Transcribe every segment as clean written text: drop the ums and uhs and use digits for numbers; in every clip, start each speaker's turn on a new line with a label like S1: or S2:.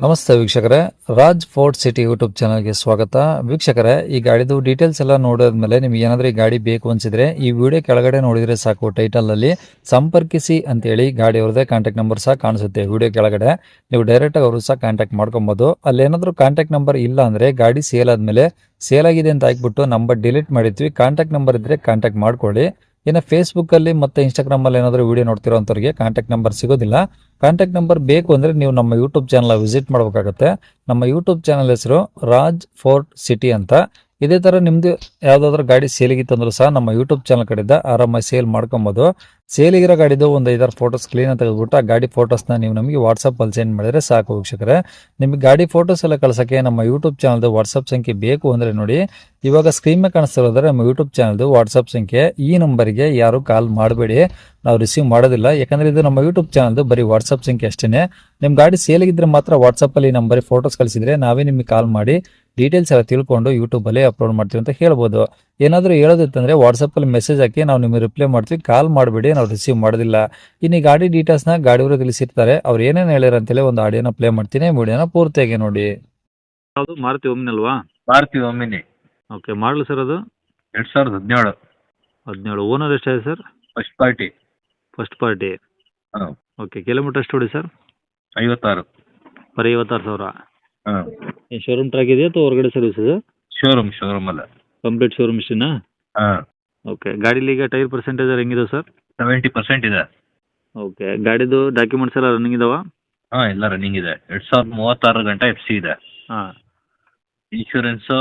S1: ನಮಸ್ತೆ ವೀಕ್ಷಕರೇ, Raj fort city YouTube ಚಾನಲ್ಗೆ ಸ್ವಾಗತ. ವೀಕ್ಷಕರೇ, ಈ ಗಾಡಿದು ಡೀಟೇಲ್ಸ್ ಎಲ್ಲ ನೋಡಿದ್ಮೇಲೆ ನಿಮ್ಗೆ ಏನಾದರೂ ಈ ಗಾಡಿ ಬೇಕು ಅನ್ಸಿದ್ರೆ ಈ ವಿಡಿಯೋ ಕೆಳಗಡೆ ನೋಡಿದ್ರೆ ಸಾಕು, ಟೈಟಲಲ್ಲಿ ಸಂಪರ್ಕಿಸಿ ಅಂತೇಳಿ ಗಾಡಿ ಅವ್ರದ್ದೇ ಕಾಂಟ್ಯಾಕ್ಟ್ ನಂಬರ್ ಸಹ ಕಾಣಿಸುತ್ತೆ. ವಿಡಿಯೋ ಕೆಳಗಡೆ ನೀವು ಡೈರೆಕ್ಟಾಗಿ ಅವರು ಸಹ ಕಾಂಟ್ಯಾಕ್ಟ್ ಮಾಡ್ಕೊಬೋದು. ಅಲ್ಲೇನಾದರೂ ಕಾಂಟ್ಯಾಕ್ಟ್ ನಂಬರ್ ಇಲ್ಲ ಅಂದರೆ ಗಾಡಿ ಸೇಲ್ ಆದಮೇಲೆ ಸೇಲ್ ಆಗಿದೆ ಅಂತ ಹಾಕ್ಬಿಟ್ಟು ನಂಬರ್ ಡಿಲೀಟ್ ಮಾಡಿರ್ತೀವಿ. ಕಾಂಟ್ಯಾಕ್ಟ್ ನಂಬರ್ ಇದ್ದರೆ ಕಾಂಟ್ಯಾಕ್ಟ್ ಮಾಡ್ಕೊಳ್ಳಿ. ಇನ್ನು ಫೇಸ್ಬುಕ್ಕಲ್ಲಿ ಮತ್ತು ಇನ್ಸ್ಟಾಗ್ರಾಮಲ್ಲಿ ಏನಾದರೂ ವಿಡಿಯೋ ನೋಡ್ತಿರೋ ಅಂಥವ್ರಿಗೆ ಕಾಂಟ್ಯಾಕ್ಟ್ ನಂಬರ್ ಸಿಗೋದಿಲ್ಲ. ಕಾಂಟ್ಯಾಕ್ಟ್ ನಂಬರ್ ಬೇಕು ಅಂದರೆ ನೀವು ನಮ್ಮ ಯೂಟ್ಯೂಬ್ ಚಾನಲ್ ವಿಸಿಟ್ ಮಾಡಬೇಕಾಗುತ್ತೆ. ನಮ್ಮ ಯೂಟ್ಯೂಬ್ ಚಾನಲ್ ಹೆಸರು ರಾಜ್ ಫೋರ್ಟ್ ಸಿಟಿ ಅಂತ. ಇದೇ ಥರ ನಿಮ್ಮದು ಯಾವುದಾದ್ರೂ ಗಾಡಿ ಸೇಲಿಗಿತ್ತಂದ್ರೂ ಸಹ ನಮ್ಮ ಯೂಟ್ಯೂಬ್ ಚಾನಲ್ ಕಡೆಯಿಂದ ಆರಾಮಾಗಿ ಸೇಲ್ ಮಾಡ್ಕೊಬೋದು. ಸೇಲಿಗಿರೋ ಗಾಡಿದು ಒಂದು 5-6 ಫೋಟೋಸ್ ಕ್ಲೀನಾಗಿ ತೆಗೆದುಬಿಟ್ಟು ಆ ಗಾಡಿ ಫೋಟೋಸ್ನ ನೀವು ನಮಗೆ ವಾಟ್ಸಪ್ಪಲ್ಲಿ ಸೆಂಡ್ ಮಾಡಿದರೆ ಸಾಕು ವೀಕ್ಷಕರೇ. ನಿಮಗೆ ಗಾಡಿ ಫೋಟೋಸ್ ಎಲ್ಲ ಕಳ್ಸೋಕ್ಕೆ ನಮ್ಮ ಯೂಟ್ಯೂಬ್ ಚಾನಲ್ದು ವಾಟ್ಸಪ್ ಸಂಖ್ಯೆ ಬೇಕು ಅಂದರೆ ನೋಡಿ, ಇವಾಗ ಸ್ಕ್ರೀನ್ ಮೇಲೆ ಕಾಣಿಸ್ತಿರೋದ್ರೆ ನಮ್ಮ ಯೂಟ್ಯೂಬ್ ಚಾನಲ್ದು ವಾಟ್ಸಪ್ ಸಂಖ್ಯೆ. ಈ ನಂಬರಿಗೆ ಯಾರು ಕಾಲ್ ಮಾಡಬೇಡಿ, ನಾವು ರಿಸೀವ್ ಮಾಡೋದಿಲ್ಲ. ಯಾಕಂದರೆ ಇದು ನಮ್ಮ ಯೂಟ್ಯೂಬ್ ಚಾನಲ್ದು ಬರೀ ವಾಟ್ಸಪ್ ಸಂಖ್ಯೆ ಅಷ್ಟೇ. ನಿಮ್ಮ ಗಾಡಿ ಸೇಲಿಗಿದ್ರೆ ಮಾತ್ರ ವಾಟ್ಸಪ್ಪಲ್ಲಿ ನಂಬರಿಗೆ ಫೋಟೋಸ್ ಕಳಿಸಿದರೆ ನಾವೇ ನಿಮಗೆ ಕಾಲ್ ಮಾಡಿ ಡೀಟೇಲ್ಸ್ ಎಲ್ಲ ತಿಳ್ಕೊಂಡು ಯೂಟ್ಯೂಬಲ್ಲಿ ಅಪ್ಲೋಡ್ ಮಾಡ್ತೀವಿ ಅಂತ ಹೇಳ್ಬೋದು. ಏನಾದರೂ ಹೇಳೋದಿತ್ತಂದರೆ ವಾಟ್ಸಪ್ಪಲ್ಲಿ ಮೆಸೇಜ್ ಹಾಕಿ ನಾವು ನಿಮಗೆ ರಿಪ್ಲೈ ಮಾಡ್ತೀವಿ, ಕಾಲ್ ಮಾಡಬೇಡಿ, ನಾವು ರಿಸೀವ್ ಮಾಡೋದಿಲ್ಲ. ಇನ್ನು ಈ ಗಾಡಿ ಡೀಟೇಲ್ಸ್ನ ಗಾಡಿಯವರು ತಿಳಿಸಿರ್ತಾರೆ, ಅವ್ರು ಏನೇನು ಹೇಳ್ಯಾರ ಅಂತೇಳಿ ಒಂದು ಆಡಿಯೋನ ಪ್ಲೇ ಮಾಡ್ತೀನಿ, ವಿಡಿಯೋನ ಪೂರ್ತಿಯಾಗಿ ನೋಡಿ.
S2: ಯಾವುದು ಮಾರುತಿ ಒಮ್ನಿ ಅಲ್ವಾ?
S3: Maruti Omni
S2: okay, model sir ಅದು
S3: 2017
S2: 17. ಓನರ್ ಎಷ್ಟಾಗಿದೆ sir?
S3: First party.
S2: First party.
S3: ಹಾಂ,
S2: ಓಕೆ, ಕಿಲೋಮೀಟರ್ ಎಷ್ಟು ಹೊಡಿ ಸರ್?
S3: 56.
S2: ಬರೀ 56,000.
S3: ಹಾಂ,
S2: ಈ ಶೋರೂಮ್ ಟ್ರ್ಯಾಕ್ ಇದೆಯಾ ಅಥವಾ ಹೊರಗಡೆ ಸರ್ವಿಸ್ ಇದೆ?
S3: ಶೋರೂಮ್ ಅಲ್ಲ.
S2: ಕಂಪ್ಲೀಟ್ ಶೋರೂಮ್ ಇಷ್ಟೇನಾ?
S3: ಹಾಂ,
S2: ಓಕೆ, ಗಾಡೀಲಿ ಈಗ ಟೈರ್ ಪರ್ಸೆಂಟೇಜ್ ಹೆಂಗಿದೆ ಸರ್?
S3: 70% ಇದೆ.
S2: ಓಕೆ, ಗಾಡಿದು ಡಾಕ್ಯುಮೆಂಟ್ಸ್ ಎಲ್ಲ ರನ್ನಿಂಗ್ ಇದಾವ?
S3: ಹಾಂ, ಎಲ್ಲ ರನ್ನಿಂಗ್ ಇದೆ. 2036 ಗಂಟೆ FC ಇದೆ.
S2: ಹಾಂ.
S3: ಇನ್ಶೂರೆನ್ಸು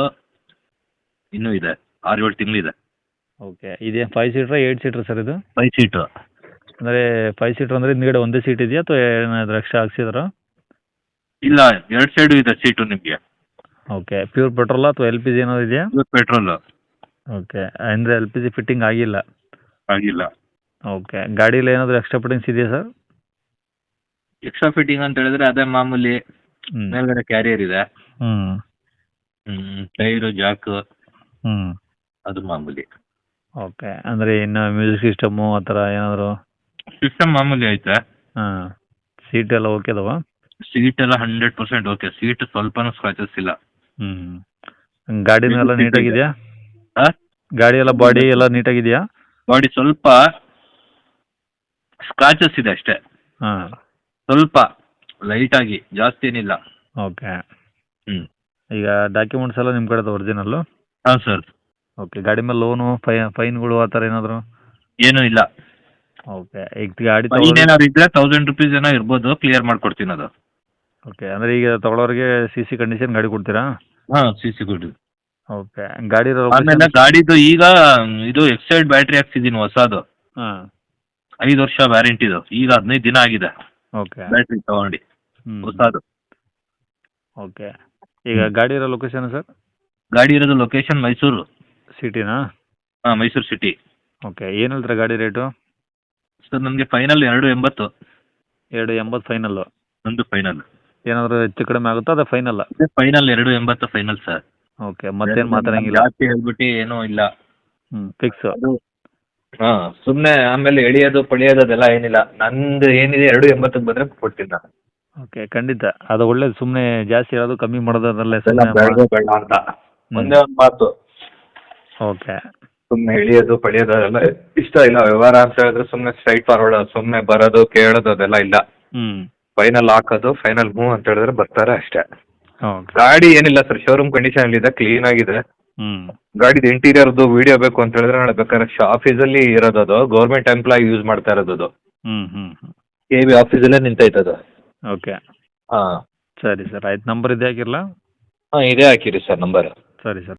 S3: ಇನ್ನೂ ಇದೆ, 6-7 ತಿಂಗಳಿದೆ.
S2: ಓಕೆ, ಇದೆ 5 ಸೀಟ್ರಾ 8 ಸೀಟ್ರ್ ಸರ್ ಇದು?
S3: 5 ಸೀಟು.
S2: ಅಂದರೆ 5 ಸೀಟ್ರ್ ಅಂದರೆ ಹಿಂದ್ಗಡೆ ಒಂದೇ ಸೀಟ್ ಇದೆಯಾ ಅಥವಾ ಏನಾದರೂ ಎಕ್ಸ್ಟ್ರಾ ಹಾಕ್ಸಿದಾರಾ?
S3: ಇಲ್ಲ, 2 ಸೈಡು ಇದೆ ಸೀಟು ನಿಮಗೆ.
S2: ಓಕೆ, ಪ್ಯೂರ್ ಪೆಟ್ರೋಲ್ ಅಥವಾ LPG ಏನಾದ್ರು ಇದೆಯಾ?
S3: ಪೆಟ್ರೋಲು
S2: ಓಕೆ, ಅಂದರೆ LPG ಫಿಟ್ಟಿಂಗ್ ಆಗಿಲ್ಲ?
S3: ಆಗಿಲ್ಲ.
S2: ಓಕೆ, ಗಾಡೀಲಿ ಏನಾದರೂ ಎಕ್ಸ್ಟ್ರಾ ಫಿಟ್ಟಿಂಗ್ಸ್ ಇದೆಯಾ ಸರ್?
S3: ಎಕ್ಸ್ಟ್ರಾ ಫಿಟ್ಟಿಂಗ್ ಅಂತ ಹೇಳಿದ್ರೆ ಅದೇ ಮಾಮೂಲಿ. ಮೇಲ್ಗಡೆ ಕ್ಯಾರಿಯರ್ ಇದೆ. ಟೈರು, ಜಾಕು, ಅದು ಮಾಮೂಲಿ.
S2: ಓಕೆ, ಅಂದರೆ ಇನ್ನು ಮ್ಯೂಸಿಕ್ ಸಿಸ್ಟಮು ಆ ಥರ ಏನಾದರೂ?
S3: ಸಿಸ್ಟಮ್ ಮಾಮೂಲಿ ಐತೆ.
S2: ಹಾಂ, ಸೀಟ್ ಎಲ್ಲ ಓಕೆ ಅದಾವ?
S3: ಸೀಟ್ ಎಲ್ಲ 100% ಓಕೆ. ಸೀಟ್ ಸ್ವಲ್ಪನೂ ಸ್ಕ್ರಾಚಸ್ ಇಲ್ಲ.
S2: ಗಾಡಿನೂ ಎಲ್ಲ ನೀಟಾಗಿದೆಯಾ? ಗಾಡಿ ಎಲ್ಲ ಬಾಡಿ ಎಲ್ಲ ನೀಟಾಗಿದೆಯಾ?
S3: ಬಾಡಿ ಸ್ವಲ್ಪ ಸ್ಕ್ರಾಚಸ್ ಇದೆ ಅಷ್ಟೇ.
S2: ಹಾಂ,
S3: ಸ್ವಲ್ಪ ಲೈಟ್ ಆಗಿ, ಜಾಸ್ತಿ ಏನಿಲ್ಲ.
S2: ಓಕೆ. ಈಗ ಡಾಕ್ಯುಮೆಂಟ್ಸ್ ಎಲ್ಲ ನಿಮ್ಮ ಕಡೆದು ಒರಿಜಿನಲ್ಲು?
S3: ಹಾಂ ಸರ್.
S2: ಓಕೆ, ಗಾಡಿ ಮೇಲೆ ಲೋನು ಫೈನ್ಗಳು ಆ ಥರ ಏನಾದರೂ?
S3: ಏನೂ ಇಲ್ಲ.
S2: ಓಕೆ, ಈಗ ಗಾಡಿ
S3: ಫೈನ್ ಏನಾದ್ರು ಇದ್ರೆ 1000 ರೂಪೀಸ್ ಏನೋ ಇರ್ಬೋದು, ಕ್ಲಿಯರ್ ಮಾಡ್ಕೊಡ್ತೀನಿ ಅದು.
S2: ಓಕೆ, ಅಂದರೆ ಈಗ ತಗೊಳ್ಳೋರಿಗೆ CC ಕಂಡೀಷನ್ ಗಾಡಿ ಕೊಡ್ತೀರಾ?
S3: ಹಾಂ, CC ಕೊಡಿ.
S2: ಓಕೆ, ಗಾಡಿ
S3: ಆಮೇಲೆ ಗಾಡಿದು ಈಗ ಇದು ಎಕ್ಸೈಡ್ ಬ್ಯಾಟ್ರಿ ಹಾಕ್ಸಿದ್ದೀನಿ ಹೊಸದು.
S2: ಹಾಂ,
S3: 5 ವರ್ಷ ವ್ಯಾರಂಟಿದು. ಈಗ 15 ದಿನ ಆಗಿದೆ
S2: ಓಕೆ.
S3: ಬ್ಯಾಟ್ರಿ ತಗೊಂಡು ಹೊಸದು.
S2: ಓಕೆ, ಈಗ ಗಾಡಿ ಇರೋ ಲೊಕೇಶನ್ ಸರ್?
S3: ಗಾಡಿ ಇರೋದು ಲೊಕೇಶನ್ ಮೈಸೂರು
S2: ಸಿಟಿನಾ?
S3: ಹಾಂ, ಮೈಸೂರು ಸಿಟಿ.
S2: ಓಕೆ, ಏನು ಹೇಳ್ತೀರಾ ಗಾಡಿ ರೇಟು?
S3: ಸರ್ ನನಗೆ ಫೈನಲ್ 280.
S2: 280 ಫೈನಲ್ಲು?
S3: ಒಂದು ಫೈನಲ್.
S2: ಏನಾದರೂ ಹೆಚ್ಚು ಕಡಿಮೆ ಆಗುತ್ತಾ ಅದು ಫೈನಲ್ಲ?
S3: Final 280 final sir.
S2: ಓಕೆ, ಮತ್ತೇನು ಮಾತಾಡಂಗಿಲ್ಲ?
S3: ಜಾಸ್ತಿ ಹೇಳ್ಬಿಟ್ಟು ಏನೂ ಇಲ್ಲ.
S2: ಫಿಕ್ಸ್?
S3: ಹಾಂ, ಸುಮ್ಮನೆ ಆಮೇಲೆ ಎಳಿಯೋದು ಪಳಿಯೋದು ಅದೆಲ್ಲ ಏನಿಲ್ಲ. ನಂದು ಏನಿದೆ 280 ಬಂದರೆ ಕೊಡ್ತೀನಿ ನಾನು.
S2: ಓಕೆ, ಖಂಡಿತ ಅದು ಒಳ್ಳೇದು. ಸುಮ್ಮನೆ ಜಾಸ್ತಿ ಹೇಳೋದು ಕಮ್ಮಿ ಮಾಡೋದು ಅದರಲ್ಲೇ
S3: ಬೇಡ ಅಂತ ಒಂದೇ ಒಂದು ಮಾತು.
S2: ಓಕೆ,
S3: ಸುಮ್ಮನೆ ಎಳಿಯೋದು ಪಳಿಯೋದು ಅದೆಲ್ಲ ಇಷ್ಟ ಇಲ್ಲ. ವ್ಯವಹಾರ ಅಂತ ಹೇಳಿದ್ರೆ ಸುಮ್ಮನೆ ಸ್ಟ್ರೈಟ್ ಫಾರ್ವರ್ಡ್, ಸುಮ್ಮನೆ ಬರೋದು ಕೇಳೋದು ಅದೆಲ್ಲ ಇಲ್ಲ. ಫೈನಲ್ ಹಾಕೋದು, ಫೈನಲ್ ಮೂವ್ ಅಂತ ಹೇಳಿದ್ರೆ ಬರ್ತಾರೆ ಅಷ್ಟೇ. ಗಾಡಿ ಏನಿಲ್ಲ ಸರ್, ಶೋರೂಮ್ ಕಂಡೀಷನ್ ಇದೆ, ಕ್ಲೀನ್ ಆಗಿದೆ. ಗಾಡಿದು ಇಂಟೀರಿಯರ್ದು ವಿಡಿಯೋ ಬೇಕು ಅಂತ ಹೇಳಿದ್ರೆ ನಾಳೆ ಬೇಕಾದ್ರೆ ಆಫೀಸಲ್ಲಿ ಇರೋದು, ಅದು ಗೌರ್ಮೆಂಟ್ ಎಂಪ್ಲಾಯ್ ಯೂಸ್ ಮಾಡ್ತಾ ಇರೋದು ಅದು. KB ಆಫೀಸಲ್ಲೇ ನಿಂತೈತದು.
S2: ಓಕೆ,
S3: ಹಾಂ
S2: ಸರಿ ಸರ್, ಆಯ್ತು. ನಂಬರ್ ಇದೆ ಹಾಕಿರಲಾ?
S3: ಹಾಂ, ಇದೇ ಹಾಕಿರಿ ಸರ್ ನಂಬರ್.
S2: ಸರಿ ಸರ್.